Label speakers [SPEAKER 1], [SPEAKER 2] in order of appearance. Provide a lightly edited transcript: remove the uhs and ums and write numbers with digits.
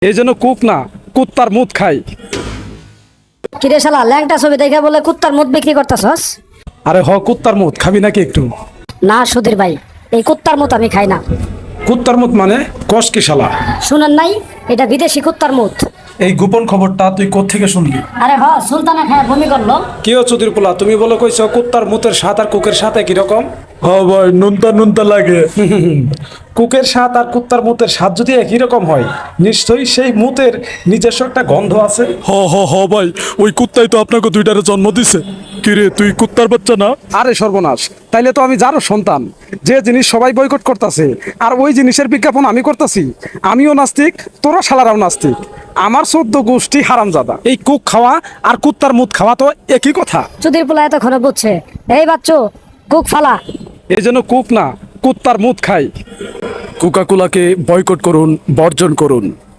[SPEAKER 1] এই জন্য কুক না, কুত্তার মুত খাই।
[SPEAKER 2] কিরে শালা ল্যাংটা ছবি দেখে বলে কুত্তার মুখ বিক্রি করতেছস?
[SPEAKER 1] আরে কুত্তার মুত খাবি নাকি একটু?
[SPEAKER 2] না সুধীর ভাই, এই কুত্তার মুখ আমি খাই না।
[SPEAKER 1] কুত্তার মুত মানে কস কি শালা?
[SPEAKER 2] শুনেন নাই, এটা বিদেশি কুত্তার মুখ।
[SPEAKER 1] এই গোপন খবরটা তুই কোত্থেকে শুনলি?
[SPEAKER 2] আরে সুলতানা খায় বমি করলো।
[SPEAKER 1] কি ও চুদির পোলা, তুমি বলে কইছো কুত্তার মুতের স্বাদ আর কুকের সাথে কি রকম?
[SPEAKER 3] ভাই নুনতা নুনতা লাগে।
[SPEAKER 1] কুকের স্বাদ আর কুত্তার মুতের স্বাদ যদি একই রকম হয়, নিশ্চয়ই সেই মুতের নিজস্ব একটা গন্ধ আছে।
[SPEAKER 3] ভাই, ওই কুত্তাই তো আপনাকে দুইটারে জন্ম দিছে। কিরে তুই কুত্তার বাচ্চা না?
[SPEAKER 1] আরে সর্বনাশ, তাইলে তো আমি যারও সন্তান। যে জিনিস সবাই বয়কট করতেছে আর ওই জিনিসের বিজ্ঞাপন আমি করতেছি। আমিও নাস্তিক, তোরা শালারাও নাস্তিক। আমার 14 গোষ্ঠী হারামজাদা। এই কুক খাওয়া আর কুত্তার মুত খাওয়া তো একই কথা।
[SPEAKER 2] সুধীর পোলা এতক্ষণে বুঝছে। এই বাচ্চু, কুক ফালা।
[SPEAKER 1] এই জন্য কুক না, কুত্তার মুত খাই।
[SPEAKER 3] কোকাকোলাকে বয়কট করুন, বর্জন করুন।